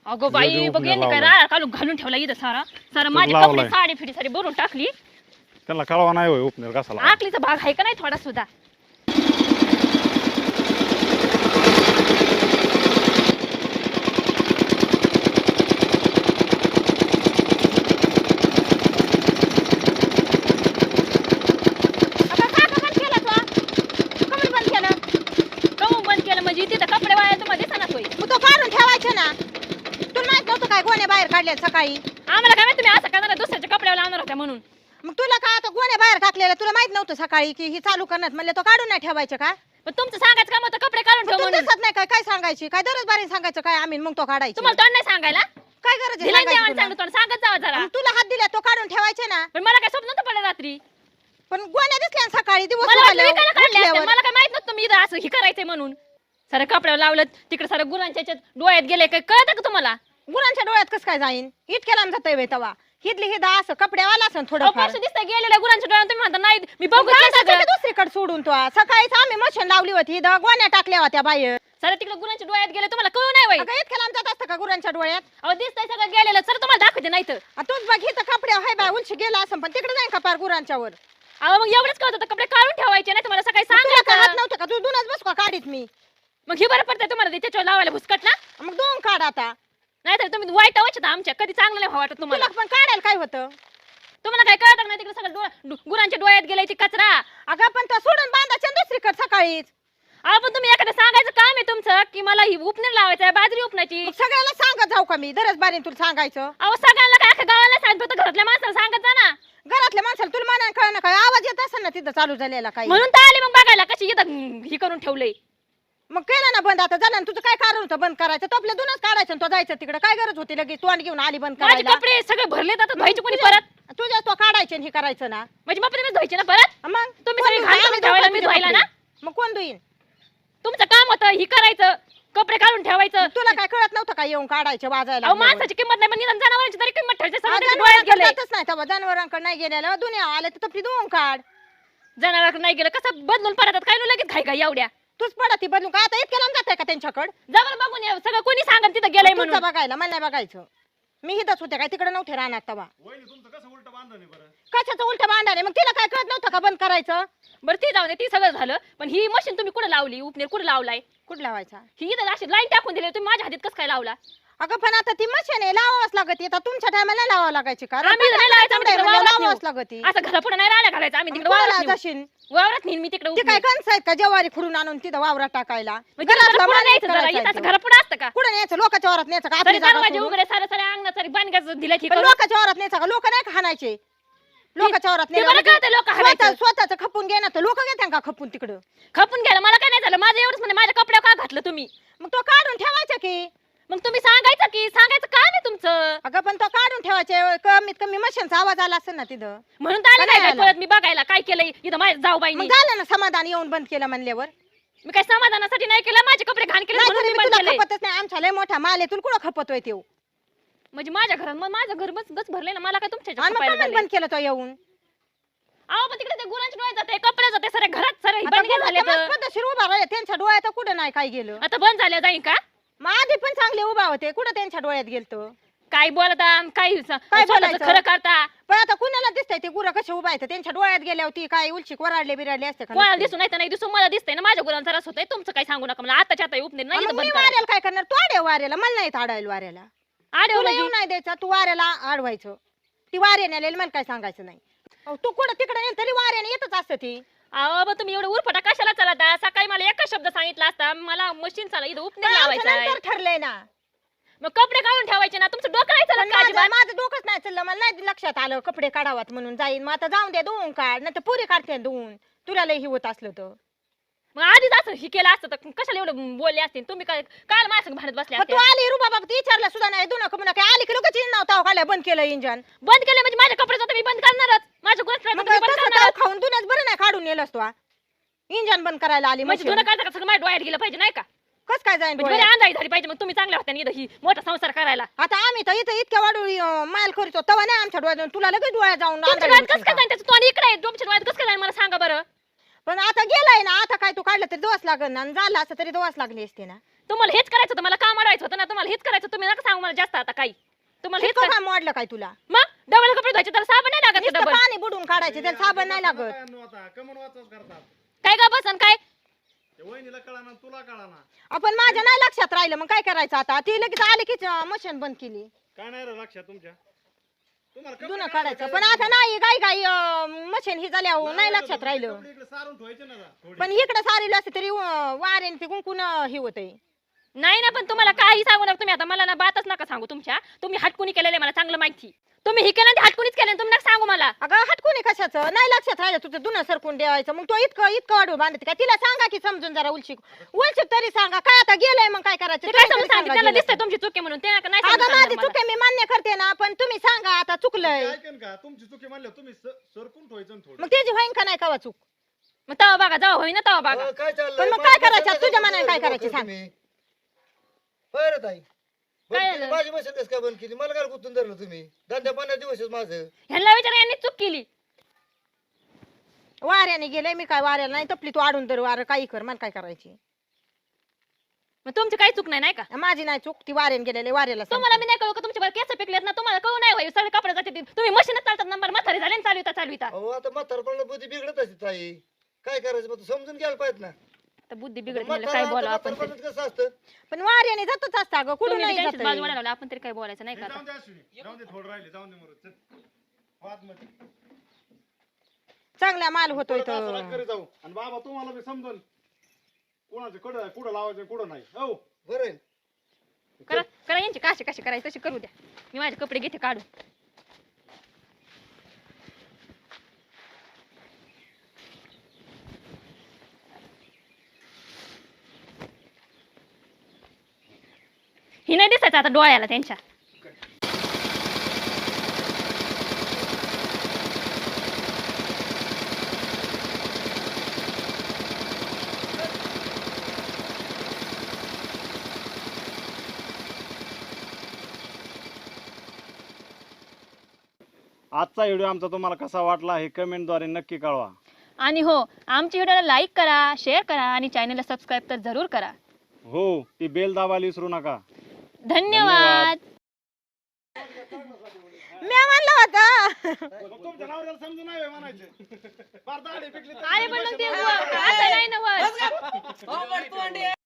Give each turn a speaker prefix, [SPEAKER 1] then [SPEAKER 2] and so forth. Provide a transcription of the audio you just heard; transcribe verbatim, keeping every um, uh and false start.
[SPEAKER 1] अगो बाई बघ यांनी काय राळा काढून घालून ठेवला इथं सारा सारा माझी कपडे साडी फिडी सारी भरून टाकली.
[SPEAKER 2] त्याला कळवा नाही होय उपनेर कसाला.
[SPEAKER 1] आकलीचा भाग आहे का नाही थोडा सुद्धा.
[SPEAKER 3] सकाळी
[SPEAKER 1] आम्हाला काय माहिती तुम्ही असं करणार दुसऱ्याच्या कपड्यावर लावणार होत्या म्हणून.
[SPEAKER 3] मग तुला काय आता गोण्या बाहेर टाकलेला तुला माहित नव्हतं सकाळी की ही चालू करण्यात म्हणले तो काढून नाही ठेवायचं का?
[SPEAKER 1] पण तुमचं सांगायचं काम होतं कपडे काढून ठेव म्हणून.
[SPEAKER 3] दिसत नाही काय काय सांगायची काय दररोज बारी सांगायचं काय आम्ही मग तो काढायचं.
[SPEAKER 1] तुम्हाला तोंड नाही सांगायला
[SPEAKER 3] काय गरज आहे सांगायची
[SPEAKER 1] तुला सांगत जावा जरा.
[SPEAKER 3] तुला हात दिला तो काढून ठेवायचे ना.
[SPEAKER 1] पण मला काय स्वप्न नव्हतं पडलं रात्री.
[SPEAKER 3] पण गोण्या दिसल्या सकाळी दिवस
[SPEAKER 1] मला काय माहित नव्हतं तुम्ही इथं असं हे करायचंय म्हणून. सारं कपड्यावर लावलं तिकडे सारं गुरांच्या डोळ्यात गेले काय कळतं का तुम्हाला?
[SPEAKER 3] गुरांच्या डोळ्यात कसं काय जाईन इतक्या लांब जातोय बाई तवा हिदली हिदा असं कपड्यावाला असं थोडं
[SPEAKER 1] फार दिसतंय गेलेल्या गुरांच्या डोळ्यात. तुम्ही म्हणता नाही मी बघू
[SPEAKER 3] दुसरीकडे सोडून तो सकाळीच आम्ही मशीन लावली होती हिदा गोण्या टाकल्या होत्या बाहेर.
[SPEAKER 1] सर तिकडे गुरांच्या डोळ्यात गेले तुम्हाला कळू नाही बाई.
[SPEAKER 3] इतक्या लांब जात असतं का गुरांच्या डोळ्यात?
[SPEAKER 1] अहो दिसतंय सगळं गेलेलं सर तुम्हाला दाखवते नाही तर.
[SPEAKER 3] तूच बघ इथं कपड्या हाय बाय उलशी गेला असं पण तिकडे जाईन का पार गुरांच्यावर.
[SPEAKER 1] अहो मग एवढंच कळत होतं कपडे काढून ठेवायचे नाही तुम्हाला सकाळी
[SPEAKER 3] सांगितलं
[SPEAKER 1] सांगितलं
[SPEAKER 3] नव्हतं का तू दुनच बस का काढीत मी.
[SPEAKER 1] मग हे बरं पडतंय तुम्हाला त्याच्यावर लावायला भुसकट ना.
[SPEAKER 3] मग दोन काढ आता
[SPEAKER 1] नाही तर तुम्ही वाईट वाटत आमच्या कधी चांगलं नाही वाटत तुम्हाला.
[SPEAKER 3] पण काढायला काय होतं
[SPEAKER 1] तुम्हाला काय कळत नाही तिकडे सगळं गुरांच्या डोळ्यात गेलाय ती कचरा.
[SPEAKER 3] अगं पण तो सोडून बांधायचं दुसरीकडे सकाळीच.
[SPEAKER 1] अहो पण तुम्ही एखादं सांगायचं काम आहे तुमचं की मला ही उपनेर लावायचं आहे बाजरी उपनाची.
[SPEAKER 3] सगळ्याला सांगत जाऊ का मी दरच बारीन तुला सांगायचं?
[SPEAKER 1] अहो सगळ्यांना काय अख्या गावाला सांगत फक्त घरातल्या माणसाला सांगत जा ना.
[SPEAKER 3] घरातल्या माणसाला तुला म्हणाय कळलं काय आवाज येत असेल ना तिथं चालू झालेला काय
[SPEAKER 1] म्हणून तर आले मग बघायला कशी इथं ही करून ठेवलंय.
[SPEAKER 3] मग केलं ना बंद आता झालं तुझं काय कारण होतं बंद करायचं? तो आपल्या दोनच काढायचं तो जायचं तिकडे काय गरज होती लगेच तोंड घेऊन आली बंद
[SPEAKER 1] माझे
[SPEAKER 3] करायला?
[SPEAKER 1] कपडे सगळे भरले जातात धुवायचे कोणी परत?
[SPEAKER 3] तुझ्या तो काढायचे हे करायचं ना.
[SPEAKER 1] म्हणजे मग तुम्ही धुवायचे ना परत?
[SPEAKER 3] मग
[SPEAKER 1] तुम्ही सगळे घाण करून ठेवायला मी धुवायला ना.
[SPEAKER 3] मग कोण धुईन?
[SPEAKER 1] तुमचं काम होतं ही करायचं कपडे काढून ठेवायचं.
[SPEAKER 3] तुला काय कळत नव्हतं का येऊन काढायचे वाजायला?
[SPEAKER 1] अहो माणसाची किंमत नाही पण निदान जनावरांची तरी किंमत ठेवायची. सगळ्यांच्या डोळ्यात गेलंय.
[SPEAKER 3] जातच नाही तेव्हा जनावरांकडे नाही गेलेलं दुनिया आले तर तपली धुवून काढ.
[SPEAKER 1] जनावरांकडे नाही गेलं कसं बदलून परत काय लगेच घाई घाई एवढ्या
[SPEAKER 3] तूच पडती बदलून काय आता इतक्या लांब जाते का त्यांच्याकडे?
[SPEAKER 1] जवळ बघून या सगळं कोणी सांगत तिथं गेलंय म्हणून.
[SPEAKER 3] बघायला मला नाही बघायचं मी हिथंच होते काय तिकडे नव्हते राहणार तेव्हा. कशाचं उलट बांधाने मग तिला काय कळत नव्हतं का बंद करायचं?
[SPEAKER 1] बरं ती जाऊ दे ती सगळं झालं पण ही मशीन तुम्ही कुठे लावली उपनेर कुठे लावलाय?
[SPEAKER 3] कुठं लावायचा?
[SPEAKER 1] ही इथं अशी लाईन टाकून दिली तुम्ही माझ्या हातीत कसं काय लावला?
[SPEAKER 3] अगं पण आता ती मशीन आहे लावावंच लागत आता तुमच्या टायमाला लावावं लागायची का?
[SPEAKER 1] आम्ही नाही लावायचं, आम्ही तिकडे वावरात
[SPEAKER 3] लावावंच
[SPEAKER 1] नेऊ.
[SPEAKER 3] लागत
[SPEAKER 1] असं घरा पुढे नाही राहिला घालायचं आम्ही तिकडे वावरात नेऊ.
[SPEAKER 3] जाशील
[SPEAKER 1] वावरात नेईन मी तिकडे
[SPEAKER 3] ते काय कणस आहेत का ज्वारी खुडून आणून तिथं वावरात टाकायला?
[SPEAKER 1] म्हणजे घराला पुढे न्यायचं जरा इथं असं घरा पुढे असतं का?
[SPEAKER 3] कुठं न्यायचं लोकांच्या वावरात न्यायचं का?
[SPEAKER 1] तरी
[SPEAKER 3] आपली जागा
[SPEAKER 1] दरवाजे
[SPEAKER 3] सोडून?
[SPEAKER 1] उघडे सारे सारे अंगणात सारे बांधकाचं दिलं की
[SPEAKER 3] पण लोकांच्या वावरात न्यायचं का? लोक नाही का हाणायचे लोकांच्या वावरात
[SPEAKER 1] ते बरं कळतं लोक हाणायचं.
[SPEAKER 3] स्वतःच खपून घे ना तर लोक घेतात का खपून तिकडं?
[SPEAKER 1] खपून घ्यायला मला काय नाही झालं माझं एवढंच म्हणजे माझ्या कपड्या का घातलं तुम्ही?
[SPEAKER 3] मग तो काढून ठेवायचा की
[SPEAKER 1] मग तुम्ही सांगायचं की सांगायचं काम आहे तुमचं.
[SPEAKER 3] अगं पण तो काढून ठेवायचे कमीत कमी मशीनचा आवाज आला असेल ना तिथं
[SPEAKER 1] म्हणून तर आले
[SPEAKER 3] काय
[SPEAKER 1] काय
[SPEAKER 3] आला?
[SPEAKER 1] परत मी बघायला काय केलंय इथं माझ्या जाऊ बाई
[SPEAKER 3] मग झालं ना समाधान येऊन बंद केलं म्हणल्यावर.
[SPEAKER 1] मी काय समाधानासाठी नाही केलं माझे कपडे घाण केले
[SPEAKER 3] नाही
[SPEAKER 1] म्हणून
[SPEAKER 3] तरी
[SPEAKER 1] मी
[SPEAKER 3] बी
[SPEAKER 1] बंद
[SPEAKER 3] तुला
[SPEAKER 1] केलंय.
[SPEAKER 3] खपतच नाही आमच्या लय मोठा माल आहे तुला कुठं खपतोय ते?
[SPEAKER 1] म्हणजे माझ्या घरात मग माझं घर बस बस भरले ना मला काय तुमच्या
[SPEAKER 3] आणि मग
[SPEAKER 1] ह्याच्यात
[SPEAKER 3] कमेंट
[SPEAKER 1] खपायला
[SPEAKER 3] बंद केलं तो येऊन.
[SPEAKER 1] अहो पण तिकडे ते गुरांचे डोळे जाते कपडे जाते सारे घरात सारे
[SPEAKER 3] आता
[SPEAKER 1] बंद झाले
[SPEAKER 3] गुरांच्या मस्त पद्धतशीर उभा राहिले त्यांच्या डोळ्यात कुठं नाही काय गेलं.
[SPEAKER 1] आता बंद झाले जाईन का?
[SPEAKER 3] मग आधी पण चांगले उभा होते कुठं त्यांच्या डोळ्यात गेलतो?
[SPEAKER 1] काय बोलता काय
[SPEAKER 3] काय
[SPEAKER 1] स्वतःचं
[SPEAKER 3] बोलायचं?
[SPEAKER 1] खरं करता?
[SPEAKER 3] पण आता कुणाला दिसतंय ते गुरं कसे उभा आहेत त्यांच्या डोळ्यात गेल्यावर ती काय उलशिक वराडले बिराडले असते का?
[SPEAKER 1] कोणाला
[SPEAKER 3] नसते?
[SPEAKER 1] दिसून नाही तर नाही दिसून मला दिसतंय ना माझ्या गुरांचा रस होतंय तुमचं काय सांगू नका मला आताच्या आता उपनेर नाही
[SPEAKER 3] मग
[SPEAKER 1] इथं
[SPEAKER 3] मी
[SPEAKER 1] बंद करा.
[SPEAKER 3] वाऱ्याला काय करणार? तू आडे वाऱ्याला मला नाही आडायला वाऱ्याला
[SPEAKER 1] आडे
[SPEAKER 3] तुला
[SPEAKER 1] म्हणजे
[SPEAKER 3] येऊ नाही द्यायचा तू वाऱ्याला आडवायचं. ती वाऱ्याने आलेली मला काय सांगायचं नाही. अहो, तू कुठं तिकडे नेल तरी वाऱ्याने येतच असतं ती.
[SPEAKER 1] अहो मग तुम्ही एवढं उरफटा कशाला चालता? सकाळी मला एकच शब्द सांगितला असता मला मशीन चाला इथं उपनेर
[SPEAKER 3] पण आमचं
[SPEAKER 1] लावायचा आहे.
[SPEAKER 3] नंतर ठरलंय ना.
[SPEAKER 1] मग कपडे काढून ठेवायचे ना तुमचं डोकं नाही
[SPEAKER 3] पण
[SPEAKER 1] चालत का
[SPEAKER 3] माझं
[SPEAKER 1] अजिबात?
[SPEAKER 3] माझं डोकंच नाही चाललं मला नाही लक्षात आलं कपडे काढावात म्हणून जाईन मग आता जाऊन दे धुवून काढ नाही तर पुरी काढते धुवून तुला लय ही होत असलं तर.
[SPEAKER 1] मग आधीच असं हे केलं असतं तर कशाला एवढं बोलले असते तुम्ही काय काय माझ्या संग भांडत बसले
[SPEAKER 3] पण
[SPEAKER 1] असते?
[SPEAKER 3] तू आली रुबा बाबा विचारलं सुद्धा नाही दुना कमुना काय आली की लोक चिन्ह नव्हता काढल्या बंद केलं इंजन.
[SPEAKER 1] बंद केलं म्हणजे माझ्या कपडे जातं मी बंद करणारच माझ्या गुरांचं
[SPEAKER 3] मग
[SPEAKER 1] मी बंद
[SPEAKER 3] तसं
[SPEAKER 1] करणारच.
[SPEAKER 3] ताव खाऊन दुन्याच बरं नाही काढून नेलंस तू इंजन बंद करायला आली
[SPEAKER 1] म्हणजे
[SPEAKER 3] म्हणजे
[SPEAKER 1] जुनं काढता का सगळं माझ्या डोळ्यात गेलं पाहिजे नाही का?
[SPEAKER 3] कस काय जाईन
[SPEAKER 1] म्हणजे
[SPEAKER 3] डोळ्यात?
[SPEAKER 1] बरी अंधारी झाली पाहिजे मग तुम्ही चांगल्या होत्या इथं ही मोठा संसार करायला.
[SPEAKER 3] आता आम्ही तर इथं इतक्या वाढू माल करतो तेव्हा नाही आमच्या डोळ्यात तुला लगेच डोळ्यात जाऊन
[SPEAKER 1] तुमच्या
[SPEAKER 3] अंधारी
[SPEAKER 1] डोळ्यात
[SPEAKER 3] दिसेल
[SPEAKER 1] कसं काय
[SPEAKER 3] का?
[SPEAKER 1] जाईल त्याचं तोंड इकडे आहे तुमच्या डोळ्यात कसं काय जाईल मला सांगा बरं.
[SPEAKER 3] पण आता गेलाय ना आता काय तू काढलं तरी दोस लागल ना आणि झालं असं तरी दोस लागली असते ना.
[SPEAKER 1] तुम्हाला हेच करायचं होतं मला काम अडवायचं होतं ना तुम्हाला हेच करायचं तुम्ही नका सांगू मला जास्त आता काही तुम्हाला हेच
[SPEAKER 3] इतकं
[SPEAKER 1] काय-
[SPEAKER 3] काय मोडलं काय तुला
[SPEAKER 1] मग डबल कपडे धुवायचे त्याला साबण नाही लागत
[SPEAKER 3] नुसतं
[SPEAKER 1] डबल
[SPEAKER 3] पाणी बुडून काढायचे त्याला साबण नाही लागत
[SPEAKER 2] कमन वाचच करतात
[SPEAKER 1] काय का बसन काय
[SPEAKER 2] ते वहिनीला कळाना तुला कळाना
[SPEAKER 3] आपण माझ्या नाही लक्षात राहिलं मग काय करायचं आता ती लगेच आले की मशीन बंद केली
[SPEAKER 2] काय नाही रे लक्षात तुमच्या तुम्हाला कपडे
[SPEAKER 3] जुनं
[SPEAKER 2] काढायला
[SPEAKER 3] काढायचं
[SPEAKER 2] काय
[SPEAKER 3] पण आता नाही गाई गाई मशीन ही झाल्या नाही लक्षात राहिलं
[SPEAKER 2] कपडे इकडे सारून ठेवायचे ना जरा थोडे.
[SPEAKER 3] पण इकडे सारेल असते तरी वारेन ते कुंकून हे होतंय
[SPEAKER 1] नाही ना पण तुम्हाला काही सांगू नका तुम्ही आता मला ना बातच नका सांगू तुमच्या तुम्ही हटकुनी केलेलं मला चांगलं माहिती तुम्ही हे केलं ते हटकुनीच केलं तुम्ही नका सांगू मला
[SPEAKER 3] अगं हटकुनी कशाचं नाही लक्षात राहिलं तुझं दुनं सरकून द्यायचं मग तो इतकं इतकं वाढू बांधते का तिला सांगा की समजून जरा उलशिक उलशिक तरी सांगा काय आता गेलंय मग काय करायचं
[SPEAKER 1] ते काय
[SPEAKER 3] तुम्ही
[SPEAKER 1] समजून
[SPEAKER 3] तरी
[SPEAKER 1] सांगितलं
[SPEAKER 3] सांगा
[SPEAKER 1] त्याला
[SPEAKER 3] गेलंय.
[SPEAKER 1] दिसतंय तुमची चुकी म्हणून ते नका- नाही
[SPEAKER 3] अगं
[SPEAKER 1] समजून
[SPEAKER 3] माझी
[SPEAKER 1] सांगणार मला.
[SPEAKER 3] चुकी मी मान्य करते ना पण तुम्ही सांगा आता चुकलंय
[SPEAKER 2] ते ऐकेन का तुमची चुकी म्हणल्या तुम्ही स- सरकून ठेवायचं ना थोडं
[SPEAKER 3] मग त्याची होईन का नाही कवा चूक
[SPEAKER 1] मग तवा बघा जावा होईना तवा बघा
[SPEAKER 4] अहो, काय चाललंय?
[SPEAKER 3] पण मग
[SPEAKER 4] माझी
[SPEAKER 3] काय करायचं?
[SPEAKER 4] मशीन
[SPEAKER 3] तुझ्या
[SPEAKER 4] कसं
[SPEAKER 3] मनाने काय
[SPEAKER 4] बंद
[SPEAKER 3] करायचं
[SPEAKER 4] केली
[SPEAKER 3] सांग.
[SPEAKER 4] तुम्ही? होय रे ताई बंद
[SPEAKER 1] काय
[SPEAKER 4] केली.
[SPEAKER 1] झालं?
[SPEAKER 4] माझी मशीन कसं काय बंद केली मला काय गुंतून धरलं तुम्ही धंद्या पाण्यात दिवसच माझं
[SPEAKER 1] ह्यांना विचारा यांनी चूक केली
[SPEAKER 3] वाऱ्याने गेले मी काय वाऱ्याला नाही तपली तू आडून तर वार काही कर मला काय करायची
[SPEAKER 1] मग तुमची काही चूक नाही नाही का
[SPEAKER 3] माझी नाही चूक ती वाऱ्याने गेलेले वाऱ्याला
[SPEAKER 1] तुम्हाला मी नाही कळू का तुमच्या केस पिकलेत ना तुम्हाला कळू नाही होईल सगळे कपडे जाते तुम्ही मशीनच चालतात नंबर म्हातारी झाले चालविता चालविता
[SPEAKER 4] अहो आता म्हातारपणाला बुद्धी बिघडत असते ताई काय करायचं मग तू समजून घ्यायला पाहिजे ना
[SPEAKER 1] तर बुद्धी बिघडत म्हणलं
[SPEAKER 4] म्हातारं-
[SPEAKER 1] काय
[SPEAKER 4] आता
[SPEAKER 1] बोलावं आपण तरी.
[SPEAKER 4] म्हातारपणात कसं असतं
[SPEAKER 3] पण वाऱ्याने जातच असता ग कुठून
[SPEAKER 1] तुम्ही
[SPEAKER 3] नाही
[SPEAKER 1] त्यांचीच बाजू
[SPEAKER 3] जात
[SPEAKER 1] वाढायला लावला, आपण तरी काय बोलायचं नाही का
[SPEAKER 2] हे
[SPEAKER 1] आता?
[SPEAKER 2] जाऊन दे अश्विनी जाऊन दे थोडं राहिले जाऊन दे मरू चल वाद मध्ये
[SPEAKER 3] चांगला माल होतोय
[SPEAKER 2] परत असं
[SPEAKER 3] तर
[SPEAKER 2] नका करीत जाऊ आणि बाबा तुम्हाला बी समजून कोणाचं कडं कुठं लावायचं कुठं नाही हो
[SPEAKER 4] बरं आहे.
[SPEAKER 1] करा करा यांची काशी कशी करायची तशी करू द्या मी माझे कपडे घेते काढून ही नाही दिसायचं आता डोळ्याला त्यांच्या
[SPEAKER 2] आजचा व्हिडिओ आमचा तुम्हाला कसा वाटला हे कमेंटद्वारे नक्की कळवा
[SPEAKER 1] आणि हो आमच्या व्हिडिओला लाईक करा शेअर करा आणि चॅनलला सबस्क्राईब तर जरूर करा
[SPEAKER 2] हो ती बेल दाबायला विसरू नका
[SPEAKER 1] धन्यवाद
[SPEAKER 3] मी म्हणलं होतं
[SPEAKER 2] तुमच्या नवऱ्याला समजून नाही होय म्हणायचे फार दाढी पिकली तर-
[SPEAKER 1] अरे पण मग ते असं नाही ना होत.